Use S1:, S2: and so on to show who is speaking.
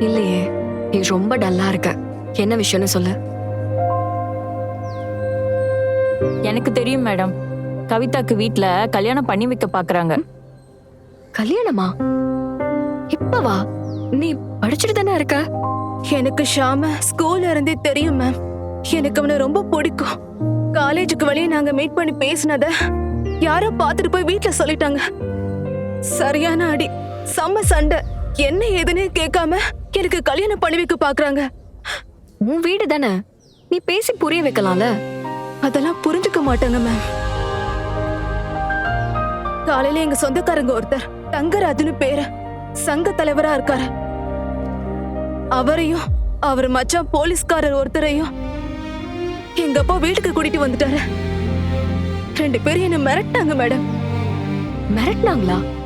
S1: இல்லையே, நீ ரொம்ப டல்லா இருக்க. என்ன விஷயம்னு சொல்லு.
S2: எனக்கு தெரியும் மேடம். கவிதாக்கு வீட்ல கல்யாணம் பண்ணி வைக்க பாக்குறாங்க.
S1: கல்யாணமா? இப்பவா? நீ படிச்சுட்டு தானே இருக்க.
S3: எனக்கு ஷாம ஸ்கூல்ல இருந்தே தெரியும் மேம். எனக்கு அவனை ரொம்ப பிடிக்கும். காலேஜுக்கு வெளியே நாங்க மீட் பண்ணி பேசினத யாரோ பார்த்துட்டு போய் வீட்ல சொல்லிட்டாங்க. சரியான அடி, செம்ம சண்டை. என்ன ஏதுன்னு கேட்காம எனக்கு கல்யாணம் பண்ணி வைக்க பாக்குறாங்க.
S1: உன் வீடு தானே, நீ பேசி புரிய வைக்கலாம்ல.
S3: அதெல்லாம் புரிஞ்சுக்க மாட்டாங்க மேம். காலையில எங்க சொந்தக்காரங்க ஒருத்தர் தங்கராஜுன்னு பேரு, சங்க தலைவரா இருக்காரு. அவரையும் அவர் மச்சான் போலீஸ்காரர் ஒருத்தரையும் எங்க அப்பா வீட்டுக்கு கூட்டிட்டு வந்துட்டாரு. 2 பேரும் என்ன மிரட்டாங்க மேடம்.
S1: மிரட்டினாங்களா?